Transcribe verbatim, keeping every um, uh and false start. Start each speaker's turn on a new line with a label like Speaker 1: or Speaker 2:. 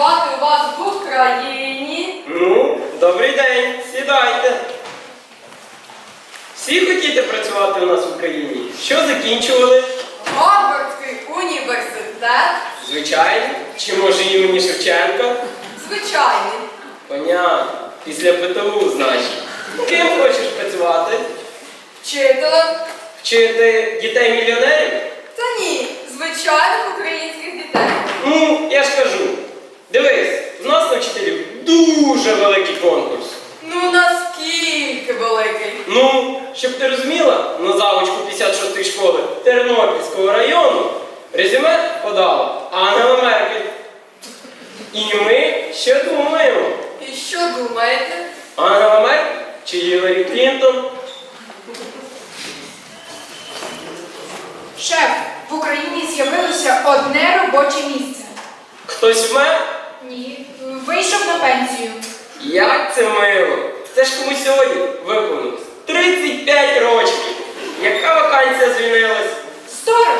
Speaker 1: працювати у вас в Україні?
Speaker 2: Ну, добрий день, сідайте. Всі хотіте працювати у нас в Україні? Що закінчували?
Speaker 1: Гарвардський університет?
Speaker 2: Звичайно. Чи може імені Шевченка?
Speaker 1: Звичайний.
Speaker 2: Понятно. Після ПТУ, значить. Ким хочеш працювати?
Speaker 1: Вчителем?
Speaker 2: Вчити дітей-мільйонерів?
Speaker 1: Та ні, звичайних українських дітей.
Speaker 2: Ну, я ж кажу. Дивись, в нас на вчителів дуже великий конкурс.
Speaker 1: Ну наскільки великий?
Speaker 2: Ну, щоб ти розуміла, на завучку п'ятдесят шостої школи Тернопільського району резюме подала Ангела Меркель. І ми ще думаємо,
Speaker 1: І що думаєте?
Speaker 2: Ангела Меркель чи Гіларі Клінтон?
Speaker 3: Шеф, в Україні з'явилося одне робоче місце.
Speaker 2: Хтось вмер?
Speaker 3: Ні. Вийшов на пенсію.
Speaker 2: Як це мило! Це ж комусь сьогодні виповнилось тридцять п'ять років. Яка вакансія звільнилась?
Speaker 3: Сторож,